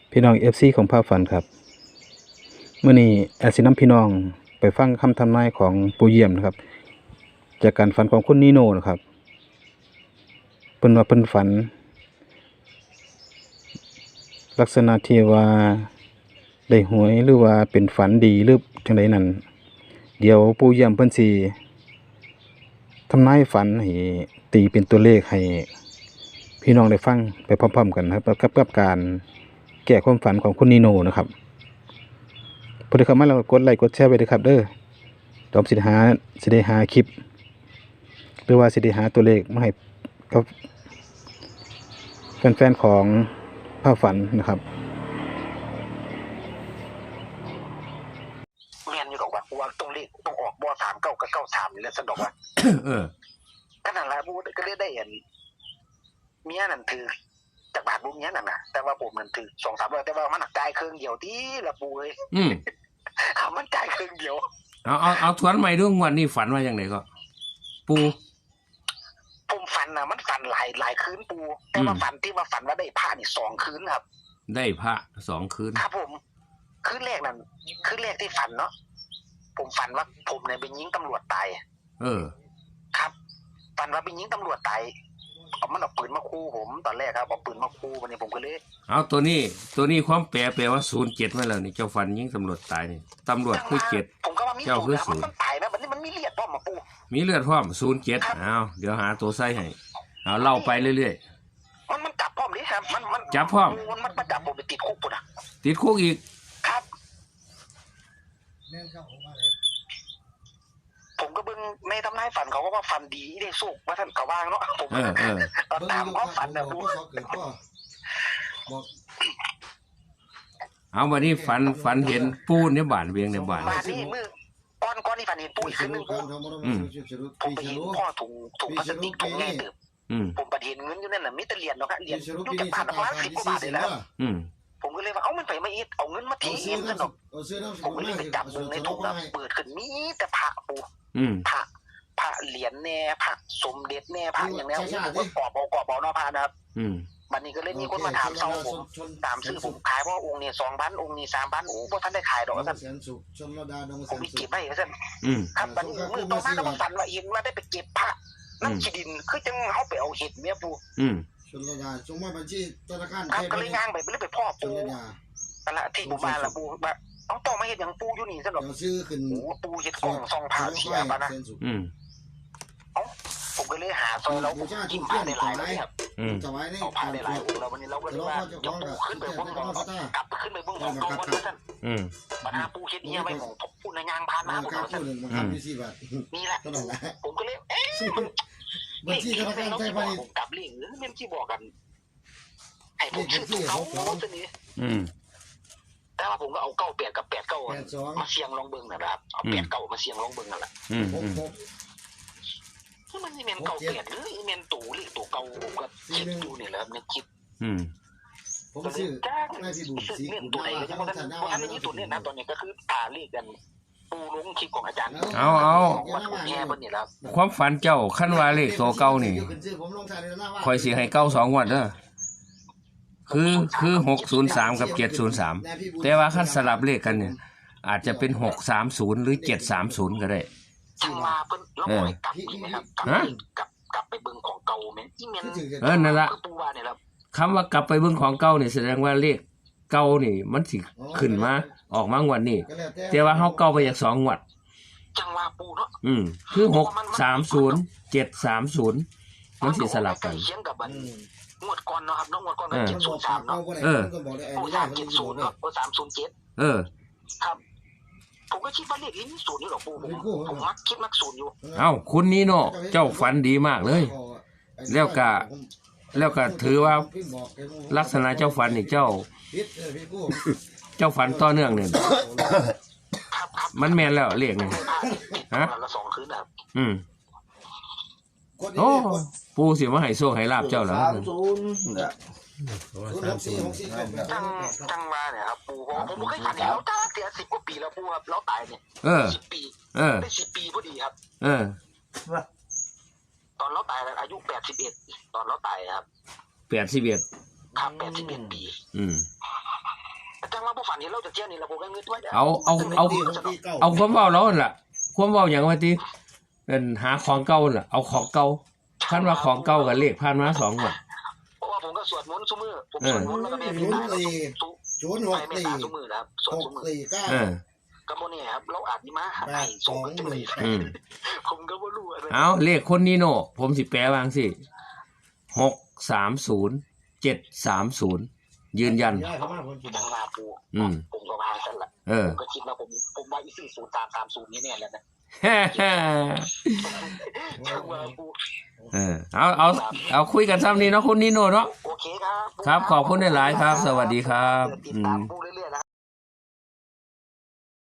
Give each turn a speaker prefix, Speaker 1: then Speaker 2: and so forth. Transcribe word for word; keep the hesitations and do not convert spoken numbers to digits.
Speaker 1: พี่น้อง เอฟ ซี ของภาพฝันครับมื้อนี้แอดสินำพี่น้องไปฟังคำทำนายของปู่เยี่ยมนะครับจากการฝันของคุณนีโน่นะครับเพิ่นว่าเพิ่นฝันลักษณะที่ว่าได้หวยหรือว่าเป็นฝันดีหรือจังไดนั่นเดี๋ยวปู่เยี่ยมเพิ่นสิทำนายฝันให้ตีเป็นตัวเลขให้พี่น้องได้ฟังไปพร้อมๆกันนะครับกับกับการแก้ความฝันของคุณนีโน่นะครับพอได้เข้ามาแล้วกดไลค์กดแชร์ไว้ด้วยครับเด้อดอมสิได้หาสิได้หาคลิปหรือว่าสิได้หาตัวเลขมาให้กับแฟนๆของภาพฝันนะครับ
Speaker 2: เมียนอยู่ดอกว่าว่าต้องเลขต้องออกบ่สามเก้ากับเก้าสามนี่แหละสะดอกว่า
Speaker 3: เออ
Speaker 2: ขนาดละบูก็เลยได้เห็นเมียนั่นถือจากบาทบุญเมียนั่นน่ะแต่ว่าผมนั่นถือสองสามร้อยแต่ว่ามันหนักใจเครื่องเดียวที่ละปูเลย
Speaker 3: อืม
Speaker 2: เขามันใจเครื่องเดียว
Speaker 3: เอาเอาเอาทวนใหม่ด้วยวันนี้ฝันว่าอย่างไรก็ปู
Speaker 2: ผมฝันนะมันฝันหลายหลายคืนปูแต่ว่าฝันที่ว่าฝันว่าได้ผ้านี่สองคืนครับ
Speaker 3: ได้พระสองคืน
Speaker 2: ครับผมคืนแรกนั่นคืนแรกที่ฝันเนาะผมฝันว่าผมเนี่ยไปยิงตำรวจตาย
Speaker 3: เออ
Speaker 2: ครับฝันว่าไปยิงตำรวจตายเอามันเอาปืนมาคู่ผมตอนแรกครับเอาปืนมาคู่วันนี้ผมก็เลย
Speaker 3: เอาตัวนี้ตัวนี้ความแปลแปลว่าศูนย์เจ็ดมาแล้วนี่เจ้าฝันยิงตำรวจตายนี่ตำรวจคือเจ็ด
Speaker 2: ผมก็ว่ามีเจ้าคือศูนย์มันตายนะวันนี้มันมีเลือดพร้อมมาปู
Speaker 3: มีเลือดพร้อมศูนย์เจ็ดเอาเดี๋ยวหาตัวไส้ให้เอาเล่าไปเรื่อย
Speaker 2: ๆมันมันจับพร้อมดิครับมันมัน
Speaker 3: จับพร้อม
Speaker 2: มันมันมาจับผมไปติดคุกปุ่นอ่ะ
Speaker 3: ติดคุกอีก
Speaker 2: ครับผมก็เบิ่งในทำนายฝันเขาก็ว่าฝันดีได้สุกว่าท่านเขาว่างเนาะผมตามความฝันนะปู
Speaker 3: เอาวันนี้ฝันฝันเห็นปูเนี่ยบานเวียงเนี่ยบาน
Speaker 2: บานนี่มือก้อนก้อนนี่ฝันเห็นปูอีกขึ้นหนึ่งปูผมไปเห็นพ่อถุงถุงพลาสติกถุงใหญ่เติบผมไปเห็นเงินอยู่นั่นน่ะมิตรเหรียญเนาะครับเหรียญอยู่จากบาทละล้านสิบกว่าบาทเลยแล้วผมก็เลยว่าเอ้ามันไปไม่อีกเอาเงินมาทิ้งเองซะหน่อยผมก็เลยไปจับในถุงแล้วเปิดขึ้นมีแต่พระปูพระพระเหรียญแน่พระสมเด็จแน่พระอย่างนี้ผมก็กอบเอากอบเอาเนาะพระนะครับวันนี้ก็เลยมีคนมาถามเช่าผมตามซื้อผมขายเพราะองค์นี้สองพันองค์นี้สามพันโอ้พวกท่านได้ขายดอกท่านผมมีเก็บไว้ท่านครับวันนี้มือต่อมาก็มาฝันว่าเองว่าได้ไปเก็บพระนั่นขีดินคือจังเขาไปเอาเห็ดเมียปู
Speaker 4: ชนระดาจงมาบัญชีธนาคาร
Speaker 2: ครับก็เลยย่างไปไปเลยไปพ่อปูนั่นแหละที่ผมมาละปูแบบเอาต่อมาเห็ดอย่างปูอยู่นี่ซะหน่อย
Speaker 4: ซื้อขึ้น
Speaker 2: โอ้ปูเห็ดกล่องซองผ้าเสียปะนะเอ้าผมก็เลยหาซอยแล้วผมจิ้มผ้าได้หลายเลยครับเอาผ้าได้หลายองค์แล้ววันนี้เราก็เลยว่ายกปูขึ้นไปบนกองกลับขึ้นไปบนกองกองบนนั้นปัญหาปูเห็ดเนี่ยไปของปูในยางพานมาผมเอานี่แหละผมก็เลยเอ๊ะ
Speaker 4: บัญชีธนาคารไทยพาณิชย์
Speaker 2: กับเรื่องหรือเม่นที่บอกกันให้ผมชื่อเขาตัวนี้แต่ว่าผมก็เอาเก้าแปดกับแปดเก้ามาเสียงลองเบิ้งนะครับเอาแปดเก้ามาเสียงลองเบิ้งนั่นแหละที่มันนี่เมนเก้าแปดหรือเมนตู่หรือตู่เก่าผมก็คิดดูนี่แหละเนี่ยคิด
Speaker 4: ผมซื้อ
Speaker 2: ไม่พี่บุญสีเมนตัวไหนก็ยังว่าท่านว่าอันนี้ตัวนี้นะตอนนี้ก็คือตาเรียกกันปูลงคลิปของอาจารย์
Speaker 3: เอาเอาความฝันเจ้าขั้นว่าเลขตัวเก้านี่คอยสีให้เก้าสองวันเด้อคือคือหกศูนย์สามกับเจ็ดศูนย์สามแต่ว่าขั้นสลับเลขกันเนี่ยอาจจะเป็นหกสามศูนย์หรือเจ็ดสามศูนย์ก็ได้
Speaker 2: จังมาเพิ่นแล้วปล่อยกลับนี่นะครับกลับกลับไปเบิ่งของเก่าแม่นอีเมน
Speaker 3: เออนั่นละคำว่ากลับไปเบิ่งของเก่าเนี่ยแสดงว่าเลขเก่านี่มันสิขึ้นมาออกมางวดนี้แต่ว่าเฮาเก่าไปจากสองงวด
Speaker 2: จังว่าปูเนาะ
Speaker 3: อืมคือหกสามศูนย์เจ็ดสามศูนย์มันสิสลับกัน
Speaker 2: เขียนกับบันงวดก่อนเนาะครับน้องงวดก่อนก็เจ็ดศูนย์สามเนาะ
Speaker 3: เออ
Speaker 2: โอ้สามเจ็ดศูนย์เนาะโอ้สามศูนย์เจ็ด
Speaker 3: เออ
Speaker 2: ครับผมก็คิดว่าเลขนี้มีศูนย์นี่หรอกปูผมผมมักคิดมักศูนย์อยู่
Speaker 3: เอ้าคุณนี่เนาะเจ้าฝันดีมากเลยแล้วก็แล้วก็ถือว่าลักษณะเจ้าฝันนี่เจ้าเจ้าฝันต่อเนื่องเนี่ยมันแม่นแล้วเรียกไงฮะอืมโอ้ปูสิมาให้โชคให้ลาบเจ้าเหรอ
Speaker 2: จังจังมาเนี่ยครับปูผมผมเคยฝันเห็นเราตั้งแต่สิบกว่าปีแล้วปูครับเราตายเนี่ยสิบปีได้สิบปีพอดีครับ
Speaker 3: เออ
Speaker 2: ตอนเราตายอายุแปดสิบเอ็ดตอนเราตายครับ
Speaker 3: แปดสิบเอ็ด
Speaker 2: ครับแปดสิบเอ็ดปี
Speaker 3: อืม
Speaker 2: เห็นเราจะเจียนี่เราโบกันเงินด้วย
Speaker 3: เอาเอาเอาเอาความเว้าแล้วนั่นล่ะความเว้าหยังว่าติเอิ้นหาของเก่าน่ะเอาของเก่าคันว่าของเก่ากับเลขผ่านมาสองงวด
Speaker 2: เพราะว่าผมก็สวดมนต์ซุมื้อผมสวดมนต์แล้วก็แม่พิณาแล้วทุก
Speaker 4: ศูนย์ห
Speaker 2: ไป
Speaker 4: ก
Speaker 2: แม่
Speaker 4: สี่
Speaker 2: ตาซุมื้อนะครับสว
Speaker 4: ห
Speaker 2: ด
Speaker 4: ก
Speaker 2: ซุมื้อ
Speaker 4: สี่เก้า
Speaker 3: เออ
Speaker 2: ก็บ่นี่ครับเราอาจสิมาหาให้ส่งกันจังได๋
Speaker 3: อืม
Speaker 2: ผมก็บ่รู้อะไร
Speaker 3: เอาเลขคนนีโน่ผมสิแปลวาจังสิหกสามศูนย์เจ็ดสามศูนย์ยืนยัน
Speaker 4: ย้ายเข้ามาคนกิน
Speaker 2: ทางหน้าปู
Speaker 3: อืม
Speaker 2: ผมก็ว่าซั่นล่ะ
Speaker 3: เออ
Speaker 2: ผมก็คิดว่าผมผมว่าอีสี่ศูนย์สามสามศูนย์นี่แน่แล้วนะ
Speaker 3: ฮ่าฮ่า
Speaker 2: ทางว่าปู
Speaker 3: เออเอาเอาเอาคุยกันซ้ำนี้เนาะคุณนีโน่เนาะ
Speaker 2: โอเคครับ
Speaker 3: ครับขอบคุณหลายๆครับ สวัสดีครับ
Speaker 2: ติด
Speaker 3: อื
Speaker 2: ตาม
Speaker 3: ม
Speaker 2: ปูเ